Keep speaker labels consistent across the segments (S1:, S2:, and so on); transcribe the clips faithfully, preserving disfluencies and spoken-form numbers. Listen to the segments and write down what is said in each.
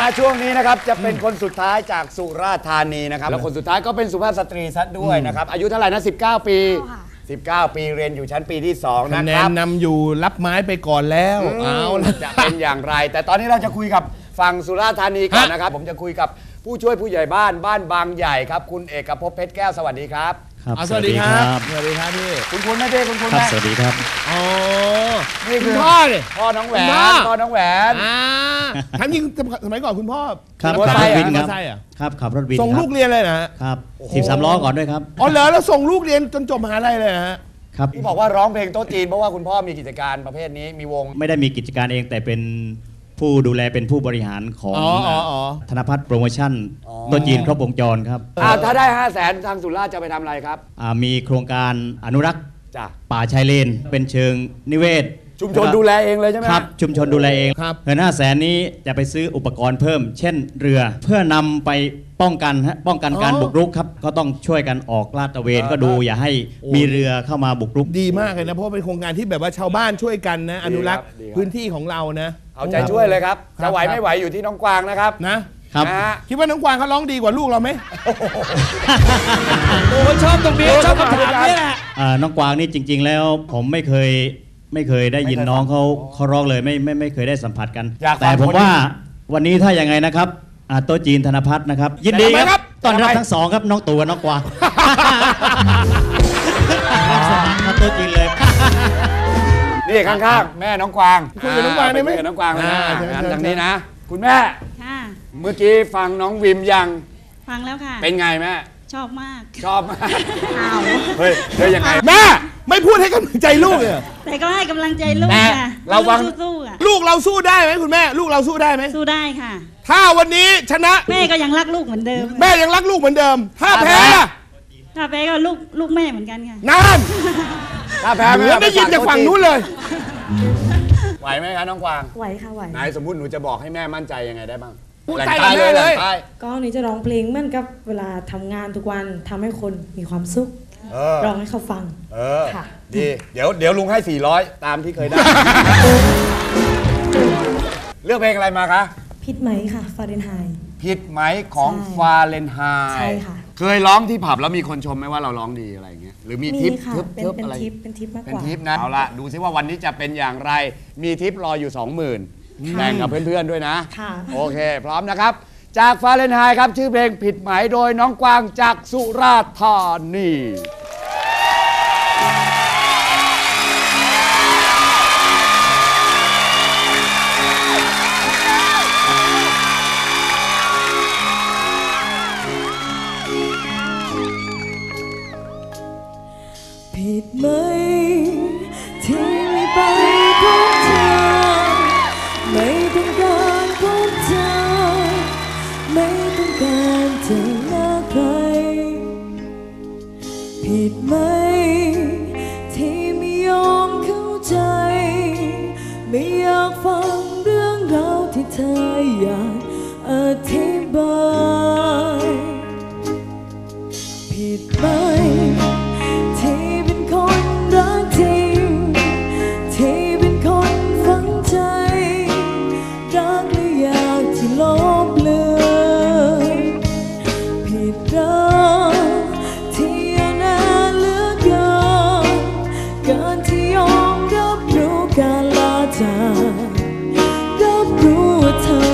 S1: มาช่วงนี้นะครับจะเป็นคนสุดท้ายจากสุราษฎร์ธานีนะครับแล้วคนสุดท้ายก็เป็นสุภาพสตรีซะด้วยนะครับอายุเท่าไหร่นะสิบเก้าปีสิบเก้าปีเรียนอยู่ชั้นปีที่สองนะครับคะแนน
S2: นำอยู่รับไม้ไปก่อนแล้วเอาละ
S1: จะเป็นอย่างไรแต่ตอนนี้เราจะคุยกับฝั่งสุราษฎร์ธานีก่อนนะครับผมจะคุยกับผู้ช่วยผู้ใหญ่บ้านบ้านบางใหญ่ครับคุณเอกภพเพชรแก้วสวัสดีครับ
S2: สวัสดีครับสวัสดีครับพี่
S1: คุณคุณไม่ได้คุณคุณ
S3: ครับสวัสดีครับ
S2: อ๋อ
S1: นี่คือ
S2: พ่อเลย
S1: พ่อน้องแหวนพ่อน้องแหวน
S2: อ่าทำยิงสมัยก่อนคุณพ่อ
S3: ครับขับรถวินครับครับขับรถวิน
S2: ส่งลูกเรียนเลยนะครับ
S3: สิบสามล้อก่อนด้วยครับ
S2: อ๋อเหรอแล้วส่งลูกเรียนจนจบมหาลัยเลยฮะ
S3: ครับ
S1: ที่บอกว่าร้องเพลงโต๊ะจีนเพราะว่าคุณพ่อมีกิจการประเภทนี้มีวง
S3: ไม่ได้มีกิจการเองแต่เป็นผู้ดูแลเป็นผู้บริหารของธนพัฒน์โปรโมชั่นโต๊ะจีนครบวงจรครับ
S1: ถ้าได้ห้าแสนทางสุราษฎร์จะไปทำอะไรครับ
S3: มีโครงการอนุรักษ์ป่าชายเลนเป็นเชิงนิเวศ
S1: ชุมชนดูแลเองเลยใช่ไหม
S3: ครับชุมชนดูแลเองเงินห้าแสนนี้จะไปซื้ออุปกรณ์เพิ่มเช่นเรือเพื่อนำไปป้องกันป้องกันการบุกรุกครับก็ต้องช่วยกันออกลาดตระเวนก็ดูอย่าให้มีเรือเข้ามาบุกรุก
S2: ดีมากเลยนะเพราะเป็นโครงการที่แบบว่าชาวบ้านช่วยกันนะอนุรักษ์พื้นที่ของเรานะ
S1: เอาใจช่วยเลยครับจะไหวไม่ไหวอยู่ที่น้องกวางนะครับ
S2: นะครับคิดว่าน้องกวางเขาร้องดีกว่าลูกเราไหม
S1: โอ้ชอบตรงนี้ชอบคำถามนี้แหละ
S3: น้องกวางนี่จริงๆแล้วผมไม่เคยไม่เคยได้ยินน้องเขาเขาร้องเลยไม่ไม่ไม่เคยได้สัมผัสกันแต่ผมว่าวันนี้ถ้าอย่างไงนะครับโต๊ะจีนธนพัฒน์นะครับยินดีครับต้อนรับทั้งสองครับน้องตู่กับน้องกวางโต๊ะจีนเลย
S1: นี่ข้างๆแม่น้องกวาง
S2: คุยกับน้องกวางได้ไหม
S1: น้องกวางนะทางนี้นะคุณแม่เมื่อกี้ฟังน้องวิมยัง
S4: ฟังแล้วค่ะ
S1: เป็นไงแม่
S4: ชอบมาก
S1: ชอบมาก
S4: อ้าว
S1: เฮ้ยเฮ้ยยังไง
S2: แม่ไม่พูดให้กำลังใจลูกเลย
S4: แต่ก็ให้กำลังใจลูกค่ะ
S1: เราฟัง
S4: สู้ๆอ่ะ
S2: ลูกเราสู้ได้ไหมคุณแม่ลูกเราสู้ได้ไหม
S4: สู้ได้ค่ะ
S2: ถ้าวันนี้ชนะ
S4: แม่ก็ยังรักลูกเหมือนเดิม
S2: แม่ยังรักลูกเหมือนเดิมถ้าแพ้
S4: ถ้าแพ้ก็ลูกลูกแม่เหมือนกันค่ะ
S2: นั่นถ้าแพ้ไม่ได้ยินจากฝั่งนู้นเลย
S1: ไหวไหมคะน้องกวาง
S4: ไหวค่ะไหว
S1: ไหนสมมุติหนูจะบอกให้แม่มั่นใจยังไงได้บ้าง
S2: พูดใต้เลยเลย
S5: ก็หนูจะร้องเพลงเหมือนกับเวลาทำงานทุกวันทำให้คนมีความสุขร้องให้เขาฟัง
S1: เออค่ะดีเดี๋ยวเดี๋ยวลุงให้สี่ร้อยตามที่เคยได้เลือกเพลงอะไรมาคะ
S5: ผิดไหมค่ะฟาเรนไฮต์
S1: ผิดไหมของฟาเรนไฮต์
S5: ใช่ค่ะ
S1: เคยร้องที่ผับแล้วมีคนชมไหมว่าเราร้องดีอะไรอย่างเงี้ยหรือมีทิป
S5: ทิปเป็นทิปเป็นทิปมากกว่า
S1: เป็นทิปนะเอาละดูซิว่าวันนี้จะเป็นอย่างไรมีทิปรออยู่ สองหมื่น แบ่งกับเพื่อนๆด้วยนะโอเคพร้อมนะครับจากฟาเรนไฮต์ครับชื่อเพลงผิดไหมโดยน้องกวางจากสุราษฎร์ธานี
S5: ผิดไหมที่ไม่ไปพบเธอไม่ต้องการพบเธอไม่ต้องการเจอหน้าใครผิดไหมที่ไม่ยอมเข้าใจไม่อยากฟังเรื่องราวที่เธออยากอธิบายผิดไหมที่เป็นคนรักจริงที่เป็นคนฝังใจรักและอยากที่ลบเลือนผิดรักที่เอาหน้าเหลือเกินการที่ยอมรับรู้การลาจากรับรู้ว่าเธอ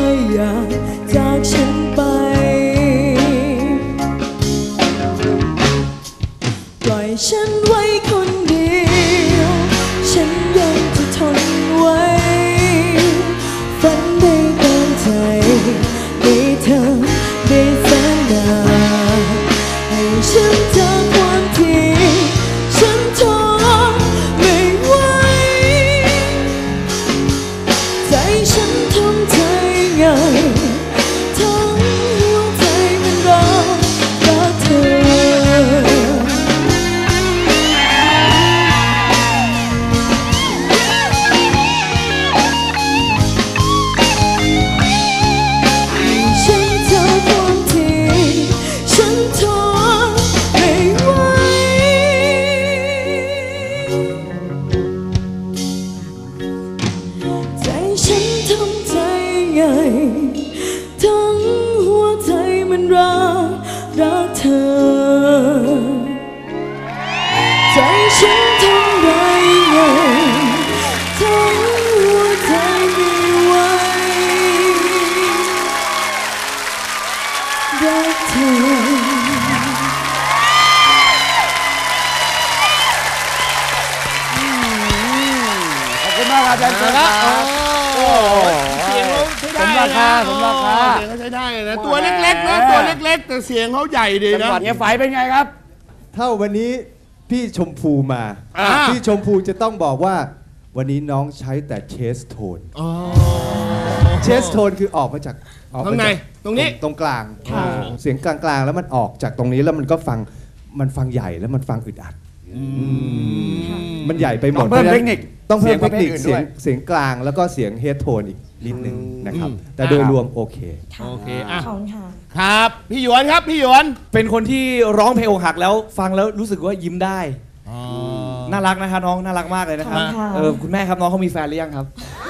S1: มากครับอาจารย์เชิญครับ
S2: โอ้เสียงเขาใช้ได้
S1: สมราคาสมราคา
S2: เสียงเขาใช้ได้นะตัวเล็กๆนะตัวเล็กๆแต่เสียงเขาใหญ่ดี
S1: จัง
S2: นะ
S1: หวัดเฮียไฝเป็นไงครับ
S6: ถ้าวันนี้พี่ชมพูมา
S2: อ่า
S6: พี่ชมพูจะต้องบอกว่า วันนี้น้องใช้แต่เชสโทน
S2: อ๋อ
S6: เชสโทนคือออกมาจากออกม
S2: ข้างใน
S6: จก
S2: ตรงนี้
S6: ตรงกลางเสียงกลางๆ แล้วมันออกจากตรงนี้แล้วมันก็ฟังมันฟังใหญ่แล้วมันฟังอึดอัดมันใหญ่ไปหมด
S1: ต้องเพิ่ม
S6: พราะฉะ
S1: เทคนิค
S6: ต้องเพิ่มเทคนิค
S1: เสี
S6: เสี
S1: ย
S6: ย
S1: ง
S6: งเสียงกลางแล้วก็เสียงเฮดโทนอีกนิดนึงนะครับ
S2: อืม
S6: แต่โดยรวมโอเค
S2: โอเคอ่ะ
S5: ขอบคุณค่ะ
S2: ครับพี่หยวนครับพี่หยวน
S7: เป็นคนที่ร้องเพลงอกหักแล้วฟังแล้วรู้สึกว่ายิ้มได้ น่ารักนะคะน้องน่ารักมากเลยนะครับ
S5: ขอบคุณค่ะ
S7: เออคุณแม่ครับน้องเขามีแฟนหรือยังครับ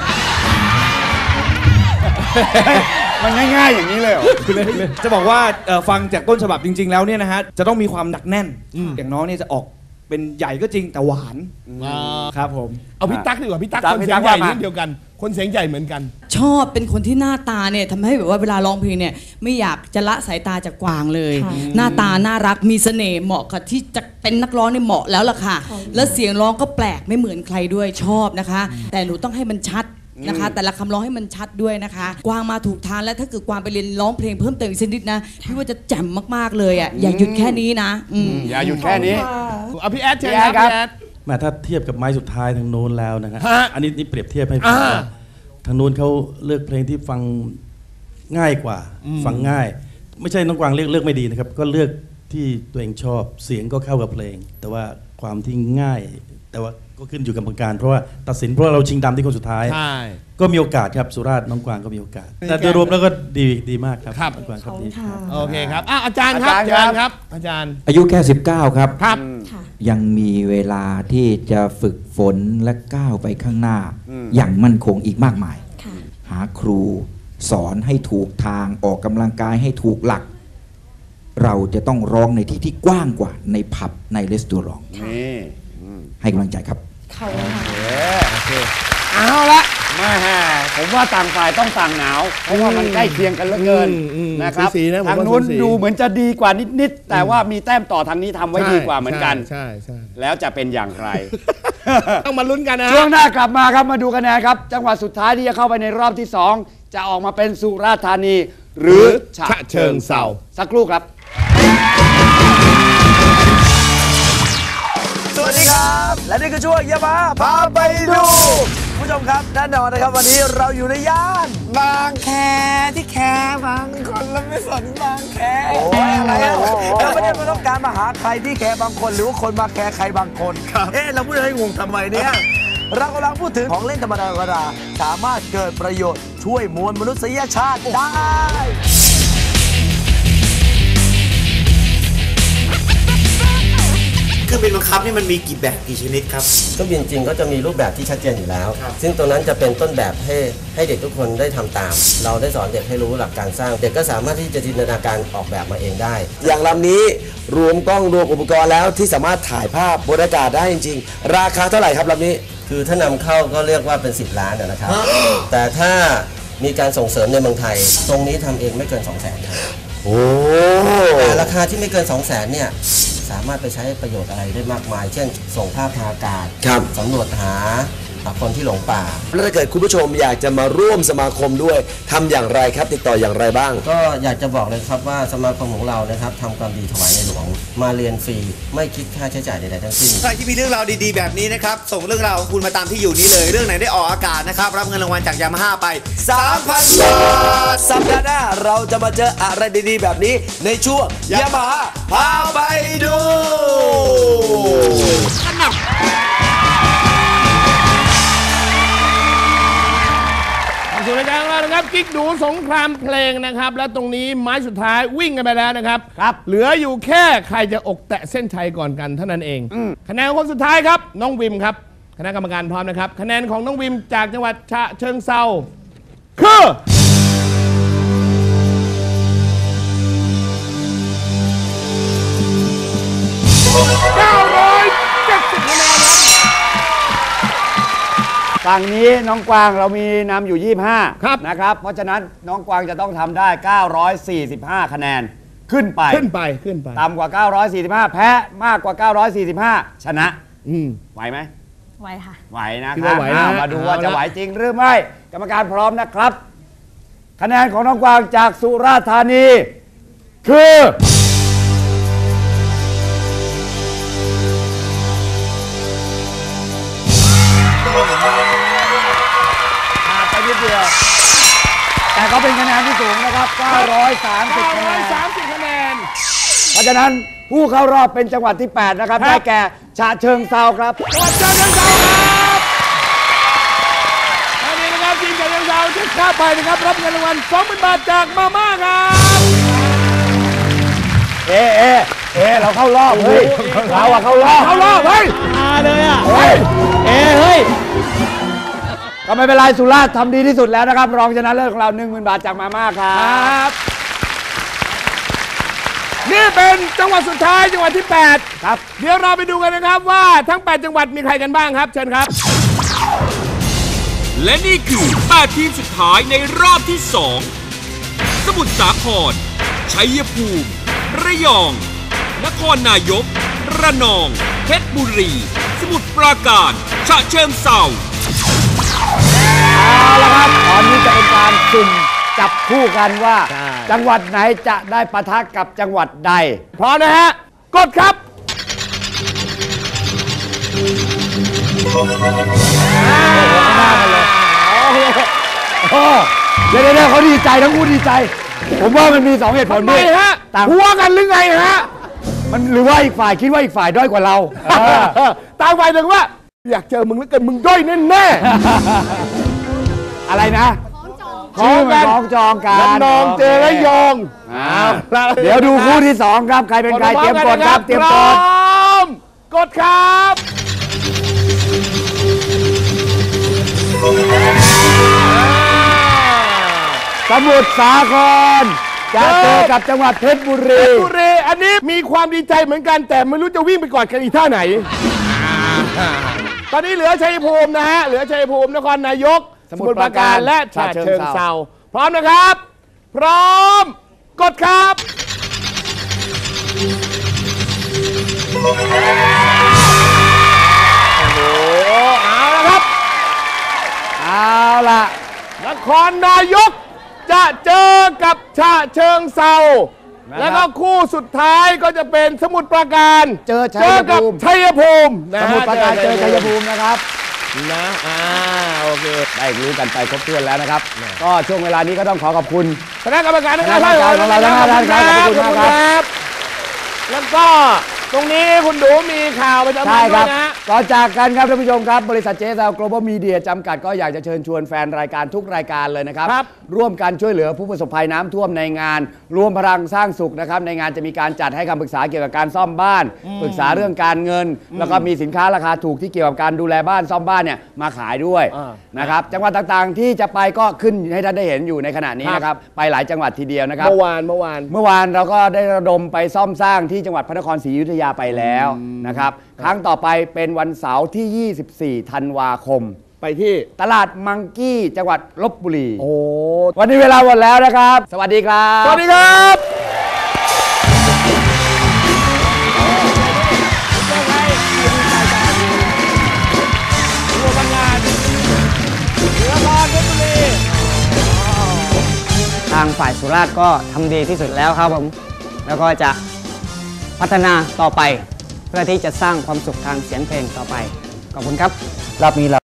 S1: มันง่ายๆอย่างนี้เลยเหรอ
S7: จะบอกว่าเอ่อฟังจากต้นฉบับจริง ๆ แล้วเนี่ยนะฮะจะต้องมีความหนักแน่น อย่างน้องเนี่ยจะออกเป็นใหญ่ก็จริงแต่หวานครับผม
S2: เอาพี่ตั๊กดีกว่าพี่ตั๊ก
S1: ตั๊ก
S2: คน
S1: พี่
S2: เสี
S1: ตั๊
S2: ยง
S1: ก
S2: ใหญ่
S1: ว่ามา
S2: นิดเดียวกัน คนเสียงใหญ่เหมือนกัน
S8: ชอบเป็นคนที่หน้าตาเนี่ยทำให้แบบว่าเวลาร้องเพลงเนี่ยไม่อยากจะละสายตาจากกวางเลย
S5: ค่ะ
S8: หน้าตาน่ารักมีเสน่ห์เหมาะกับที่จะเป็นนักร้องเนี่ยเหมาะแล้วล่ะค่ะ แล้วเสียงร้องก็แปลกไม่เหมือนใครด้วยชอบนะคะ แต่หนูต้องให้มันชัดนะคะ แต่ละคำร้องให้มันชัดด้วยนะคะ กวางมาถูกทางแล้วถ้าเกิดกวางไปเรียนร้องเพลงเพิ่มเติมอีกสักนิดนะพี่ว่าจะแจ่มมากๆเลยอ่ะอย่าหยุดแค่นี้นะอืม
S1: อย่าหยุดแค่นี้
S2: เอาพี่แอดเชิญ
S1: พี่
S2: ค
S1: แอ
S2: รั
S1: ด
S2: บ
S1: ครับ
S2: พี่แอด
S9: แม้ถ้าเทียบกับไม้สุดท้ายทางโน้นแล้วนะฮะ
S2: ฮะ
S9: อันนี้นี่เปรียบเทียบให้ฟั
S2: อ่า
S9: งว่าทางโน้นเขาเลือกเพลงที่ฟังง่ายกว่า ฟังง่าย ไม่ใช่น้องกวางเลือกเลือกไม่ดีนะครับ ก็เลือกที่ตัวเองชอบเสียงก็เข้ากับเพลง แต่ว่าความที่ง่าย แต่ว่าก็ขึ้นอยู่กับกรรมการ เพราะว่าตัดสินเพราะว่าเราชิงดำที่คนสุดท้าย
S2: ใช่
S9: ก็มีโอกาสครับสุราษฎร์น้องกวางก็มีโอกาส แต่โดยรวมแล้วก็ดีดีมากครับ
S2: ครับ
S9: น้องกวางค
S5: ข
S9: รั
S5: อ
S9: บบ
S5: คุ
S9: ดี
S5: ณค่ะ
S2: โอเคครับอ่ะอาจารย์ครับ
S1: อา
S2: อา
S1: จา
S2: จาร ร
S1: ย์
S2: ย์
S1: ค
S2: ค
S1: รั
S2: รับ บ อาจารย์
S10: อายุแค่สิบเก้าครับ
S2: ครับ
S5: ค่ะ
S10: ยังมีเวลาที่จะฝึกฝนและก้าวไปข้างหน้า อย่างมั่นคงอีกมากมาย
S5: ค่ะ
S10: หาครูสอนให้ถูกทางออกกำลังกายให้ถูกหลัก เราจะต้องร้องในที่ที่กว้างกว่าในผับในรีสตอรอง
S1: นี่
S10: ให้กำลังใจครับ
S5: ขอบคุณค่ะ
S2: เอาละ
S1: แม่ผมว่าต่างฝ่ายต้องต่างหนาว เพราะว่ามันใกล้เคียงกันเหลือเกิน
S2: อืมอืม
S1: นะครับ
S2: สูสีนะผมว่า
S1: ทางนู้น
S2: สูสี
S1: ดูเหมือนจะดีกว่านิดๆแต่ว่ามีแต้มต่อทางนี้ทำไว้ดีกว่าเหมือนกัน
S2: ใช่ใช่
S1: แล้วจะเป็นอย่างไร
S2: ต้องมาลุ้นกันนะ
S1: ช่วงหน้ากลับมาครับมาดูคะแนนครับ จังหวัดสุดท้ายที่จะเข้าไปในรอบที่สองจะออกมาเป็นสุราษฎร์ธานี หรือฉะ
S2: ฉะเชิงเทรา
S1: สักครู่ครับ
S7: สวัสดีครับ และนี่คือช่วงยามาพาไปดูผู้ชมครับแน่นอนนะครับวันนี้เราอยู่ในย่านบางแคที่แคบางคนแล้วไม่สนบางแคโอ้ยอะไรอะเราไม่ได้มาต้องการมาหาใครที่แคบางคนหรือว่าคนมาแคใครบางคนเอ๊ะเราพูดให้งงทำไมเนี่ยเรากำลังพูดถึงของเล่นธรรมดาธรรมดาสามารถเกิดประโยชน์ช่วยมวลมนุษยชาติได้
S11: เครื่องบินบังคับนี่มันมีกี่แบบกี่ชนิดครับ
S12: เครื่องบินจริงก็จะมีรูปแบบที่ชัดเจนอยู่แล้ว ซึ่งตรงนั้นจะเป็นต้นแบบให้ให้เด็กทุกคนได้ทำตาม เราได้สอนเด็กให้รู้หลักการสร้าง เด็กก็สามารถที่จะจินตนาการออกแบบมาเองได้ อย่างลำนี้รวมกล้องรวมอุปกรณ์แล้วที่สามารถถ่ายภาพบนอากาศได้จริงๆ ราคาเท่าไหร่ครับลำนี้ คือถ้านำเข้าก็เรียกว่าเป็นสิบล้านนะครับ แต่ถ้ามีการส่งเสริมในเมืองไทย ตรงนี้ทำเองไม่เกิน สองแสน ครับโอ้แต่ราคาที่ไม่เกิน สองแสน เนี่ยสามารถไปใช้ประโยชน์อะไรได้มากมาย เช่นส่งภาพทางอากาศสำรวจหาคนที่หลงป่าแล้วถ้าเกิดคุณผู้ชมอยากจะมาร่วมสมาคมด้วยทำอย่างไรครับติดต่ออย่างไรบ้าง ก็อยากจะบอกเลยครับว่าสมาคมของเรานะครับทำความดีถวายในหลวงมาเรียนฟรีไม่คิดค่าใช้จ่ายใดๆทั้งสิ้น
S11: ใครที่มีเรื่องราวดีๆแบบนี้นะครับส่งเรื่องราวของคุณมาตามที่อยู่นี้เลยเรื่องไหนได้ออกอากาศนะครับรับเงินรางวัลจากยามาฮ่าไป
S12: สามพัน บาทสัปดาห์หน้าเราจะมาเจออะไรดีๆแบบนี้ในช่วงยามาฮ่าพาไปดู
S2: สู่รายการของเรานะครับกิ๊กดูสงครามเพลงนะครับและตรงนี้ไม้สุดท้ายวิ่งกันไปแล้วนะครับครับเหลืออยู่แค่ใครจะอกแตะเส้นชัยก่อนกันเท่านั้นเองคะแนนคนสุดท้ายครับน้องวิมครับคณะกรรมการพร้อมนะครับคะแนนของน้องวิมจากจังหวัดฉะเชิงเทราคือเก้าร้อยเจ็ดสิบคะแนนครับ
S1: ฝั่งนี้น้องกวางเรามีนำอยู่ยี่สิบห้านะครับเพราะฉะนั้นน้องกวางจะต้องทำได้เก้าร้อยสี่สิบห้าคะแนนขึ้นไป
S2: ขึ้นไปขึ้นไป
S1: ต่ำกว่าเก้าร้อยสี่สิบห้าแพ้มากกว่าเก้าร้อยสี่สิบห้าชนะ
S2: อืม
S1: ไหวไหม
S13: ไหวค่ะ
S1: ไหวนะ
S2: คิด
S1: ครับ
S2: ว่าไหวนะ
S1: อ่ามาดูว่า
S2: เอาละ
S1: จะไหวจริงหรือไม่ กรรมการพร้อมนะครับ คะแนนของน้องกวางจากสุราษฎร์ธานี คือขาดไปนิดเดียว แต่ก็เป็นคะแนนที่สูงนะครับเก้าร้อยสามสิบคะแนน
S2: สามสิบคะแนน
S1: เพราะฉะนั้นผู้เข้ารอบเป็นจังหวัดที่ แปด นะครับ ได้แก่ฉะเชิงเทราครับ
S2: จังหวัดฉะเชิงเทราครับตอนนี้นะครับทีมฉะเชิงเทราจะข้ามไปนะครับรับเงินรางวัล สองหมื่น บาทจากมาม่าครับ
S1: เอเอเอเราเข้ารอบเฮ้ยเราอะเข้ารอบ
S2: เข้ารอบเฮ้ย
S3: มาเลยอ่ะ
S1: เฮ้ย
S3: เอเฮ้ย
S1: ก็ไม่เป็นไรสุราษฎร์ทำดีที่สุดแล้วนะครับ รองชนะเลิศของเรา หนึ่งหมื่น บาทจากมาม่าครั
S2: ครับ บ นี่เป็นจังหวัดสุดท้ายจังหวัดที่ แปด
S1: ครับ
S2: เดี๋ยวเราไปดูกันนะครับว่าทั้ง แปด จังหวัดมีใครกันบ้างครับ เชิญครับ
S14: และนี่คือแปดทีมสุดท้ายในรอบที่สองสมุทรสาคร ชัยภูมิ ระยอง นครนายก ระนอง เพชรบุรี สมุทรปราการ ฉะเชิงเทรา
S1: เอาละครับตอนนี้จะเป็นการสุ่มจับคู่กันว่า
S2: ใช่
S1: จังหวัดไหนจะได้ปะทะกับจังหวัดใด
S2: พร้อมนะฮะ กดครับ
S1: โอ้เดี๋ยวเดี๋ยวเขาดีใจทั้งคู่ดีใจ ผมว่ามันมีสองเหตุผล
S2: ทำไม
S1: ด้วย
S2: ฮะ
S1: ต่าง
S2: หัวกันหรือไงฮะ
S1: มันหรือว่าอีกฝ่ายคิดว่าอีกฝ่ายด้อยกว่าเรา
S2: ต่างฝ่ายถึงว่า อยากเจอมึงแล้วเกินมึงด้อยแน่ๆ
S1: อะไรนะชื่อมันคล้องจองกัน
S2: ระนองเจอระยอง
S1: อ้าวเดี๋ยวดูคู่ที่สองครับ ใครเป็นใครเตรียมกดครับ เตรียม
S2: พ
S1: ก
S2: ร้อ
S1: ด
S2: มกดครับ
S1: สมุทรสาครจะเจอกับจังหวัดเพชรบุ
S2: เพ
S1: รี
S2: ชรบุรีอันนี้มีความดีใจเหมือนกัน แต่ไม่รู้จะวิ่งไปกอดกันอีกท่าไหน ตอนนี้เหลือชัยภูมินะฮะ เหลือชัยภูมินครนายก สมุทรปราการและฉะเชิงเทราพร้อมนะครับ พร้อม กดครับ โอ้โห เอาละครับ
S1: เอาล่ะ
S2: นครนายกจะเจอกับฉะเชิงเทรา
S1: นะครับ
S2: แล้วก็คู่สุดท้ายก็จะเป็นสมุทรปราการ
S1: เจอชัย
S2: เจอกับ
S1: ภูมิ
S2: ชัยภูมินะ
S1: ส
S2: ฮะ
S1: มุทรปราการเจอชัยภูมินะครับ
S2: นะอ่าโอเค
S1: ได้รู้กันไปครบถ้วนแล้วนะครับ ก็ช่วงเวลานี้ก็ต้องขอขอบคุณ
S2: คณะกรรมการทั้ง
S1: คณะกรรมการของเราทั้งห้าท่านครับขอบคุณมากครับ
S2: แล้วก็ตรงนี้คุณดูมีข่าวประจำ
S1: ใช่
S2: วัน
S1: ค
S2: ด้
S1: รั
S2: ว
S1: บ
S2: ยนะ
S1: ก่อนจากกันครับท่านผู้ชมครับ บริษัทเจสาว Global Media จำกัดก็อยากจะเชิญชวนแฟนรายการทุกรายการเลยนะครับ
S2: ครับ
S1: ร่วมกันช่วยเหลือผู้ประสบภัยน้ำท่วมในงาน รวมพลังสร้างสุขนะครับ ในงานจะมีการจัดให้คำปรึกษาเกี่ยวกับการซ่อมบ้าน ปรึกษาเรื่องการเงิน แล้วก็มีสินค้าราคาถูกที่เกี่ยวกับการดูแลบ้านซ่อมบ้านเนี่ยมาขายด้วย
S2: อ่า
S1: นะครับ จังหวัดต่างๆ ที่จะไปก็ขึ้นให้ท่านได้เห็นอยู่ในขณะนี้นะครับ ไปหลายจังหวัดทีเดียวนะครับ
S2: เมื่อวานเมื่อวาน
S1: เมื่อวานเราก็ได้ระดมไปซ่อมสร้างที่จังหวัดพระนครศรีอยุธยาไปแล้วนะครับ ครั้งต่อไปเป็นวันเสาร์ที่ ยี่สิบสี่ ธันวาคม
S2: ไปที่
S1: ตลาดมังกี้จังหวัดลบบุรี
S2: โอ้
S1: วันนี้เวลาหมดแล้วนะครับ สวัสดีครับ
S2: สวัสดีครับ
S15: ทางฝ่ายสุราษฎร์ก็ทำดีที่สุดแล้วครับผม แล้วก็จะพัฒนาต่อไป เพื่อที่จะสร้างความสุขทางเสียงเพลงต่อไป ขอบคุณครับรอบนี้เรา